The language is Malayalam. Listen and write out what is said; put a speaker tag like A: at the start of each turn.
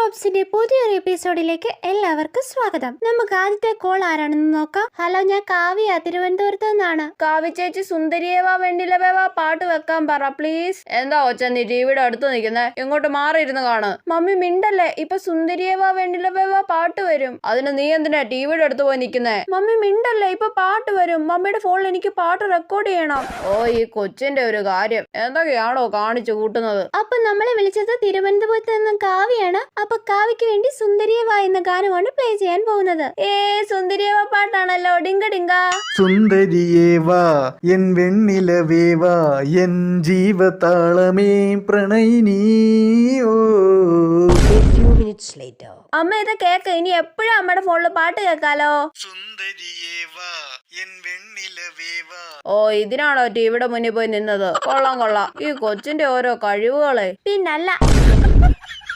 A: പോപ്സിന്റെ പുതിയൊരു എപ്പിസോഡിലേക്ക് എല്ലാവർക്കും സ്വാഗതം. നമുക്ക് ആദ്യത്തെ കോൾ ആരാണെന്ന് നോക്കാം. ഹലോ, ഞാൻ കാവ്യ, തിരുവനന്തപുരത്ത് നിന്നാണ്.
B: കാവ്യ ചേച്ചി സുന്ദരിയേവാ വെണ്ടിലവേവാ പാട്ട് വെക്കാൻ പറ പ്ലീസ്. എന്താ ഒച്ച നീ ടിവിയുടെ അടുത്ത് നിൽക്കുന്നേ? ഇങ്ങോട്ട് മാറിയിരുന്ന് കാണ്. മമ്മി മിണ്ടല്ലേ, ഇപ്പൊ സുന്ദരിയേവാ വെണ്ടിലവേവാ പാട്ട് വരും. അതിന് നീ എന്തിനാ ടിവിയുടെ അടുത്ത് പോയി നിൽക്കുന്നേ? മമ്മി മിണ്ടല്ലേ, ഇപ്പൊ പാട്ട് വരും. മമ്മിയുടെ ഫോണിൽ എനിക്ക് പാട്ട് റെക്കോർഡ് ചെയ്യണം. ഓ, ഈ കൊച്ചിന്റെ ഒരു കാര്യം എന്തൊക്കെയാണോ കാണിച്ചു കൂട്ടുന്നത്.
A: അപ്പൊ നമ്മളെ വിളിച്ചത് തിരുവനന്തപുരത്ത് നിന്ന് കാവ്യാണ്. അപ്പൊ കാവ്യക്ക് വേണ്ടി സുന്ദരിയേവാ എന്ന ഗാനമാണ് പ്ലേ ചെയ്യാൻ പോകുന്നത്.
B: സുന്ദരിയേവാ പാട്ടാണല്ലോ. ഡിങ്ക ഡിങ്ക.
C: സുന്ദരിയേവാ എൻ വെണ്ണിലവേവാ എൻ ജീവതാളമേ പ്രണയിനിയോ.
B: അമ്മ ഇത് കേക്ക്. ഇനി എപ്പോഴും അമ്മയുടെ ഫോണിൽ പാട്ട് കേൾക്കാലോ.
C: സുന്ദരിയേവാ എൻ വെണ്ണിലവേവാ.
B: ഓ, ഇതിനാണോ ടിവിയുടെ മുന്നിൽ പോയി നിന്നത്? കൊള്ളാം കൊള്ളാം, ഈ കൊച്ചിന്റെ ഓരോ കഴിവുകളെ.
A: പിന്നല്ല.